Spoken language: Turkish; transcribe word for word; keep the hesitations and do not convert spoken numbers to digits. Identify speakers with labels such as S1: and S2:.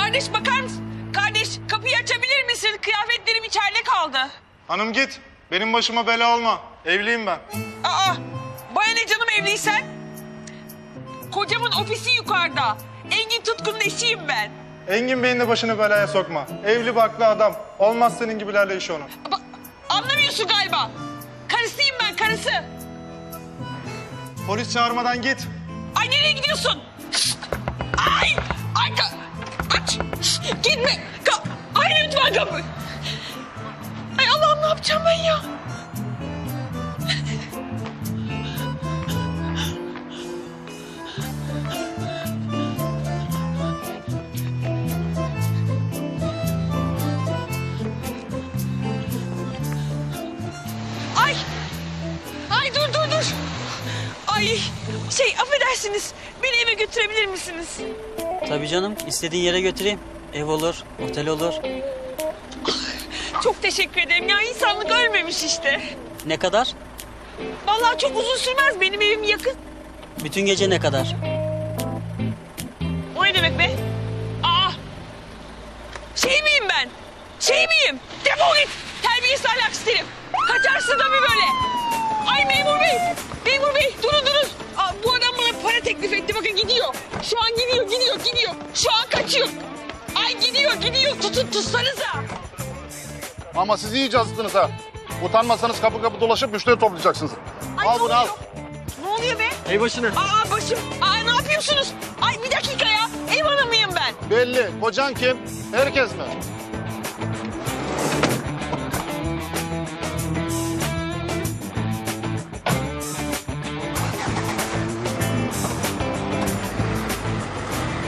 S1: Kardeş bakar mısın? Kardeş kapıyı açabilir misin? Kıyafetlerim içeride kaldı.
S2: Hanım git. Benim başıma bela olma. Evliyim ben.
S1: Aa, bana ne canım evliysen? Kocamın ofisi yukarıda. Engin Tutkun'un eşiyim ben.
S2: Engin Bey'in de başını belaya sokma. Evli barklı adam. Olmaz senin gibilerle iş onun.
S1: Ama anlamıyorsun galiba. Karısıyım ben, karısı.
S2: Polis çağırmadan git.
S1: Ay nereye gidiyorsun? Ay! Ay! Ka aç! Gitme! Ka ay lütfen kapı! Ay Allah'ım ne yapacağım ben ya? Ay! Ay dur dur dur! Ay şey affedersiniz beni eve götürebilir misiniz?
S3: Tabii canım, istediğin yere götüreyim. Ev olur, otel olur.
S1: Çok teşekkür ederim ya insanlık ölmemiş işte.
S3: Ne kadar?
S1: Vallahi çok uzun sürmez benim evim yakın.
S3: Bütün gece ne kadar?
S1: O ne demek be? Aa! Şey miyim ben? Şey miyim? Defol git! Terbiyesiz ahlaksız herif. Kaçarsın tabii böyle. Ay memur bey! Memur bey durun durun. Aa, bu adam bana para teklif etti bakın gidiyor. Şu an gidiyor gidiyor gidiyor. Şu an kaçıyor. Ay gidiyor gidiyor tutun tutsanıza.
S4: Ama siz iyice azıttınız ha. Utanmasanız kapı kapı dolaşıp müşteri toplayacaksınız.
S1: Ay,
S4: Al
S1: ne
S4: bunu al.
S1: oluyor? Ne oluyor be?
S3: Ey başına.
S1: Aa başım. Aa ne yapıyorsunuz? Ay bir dakika ya. Ev hanımıyım ben.
S4: Belli. Kocan kim? Herkes mi?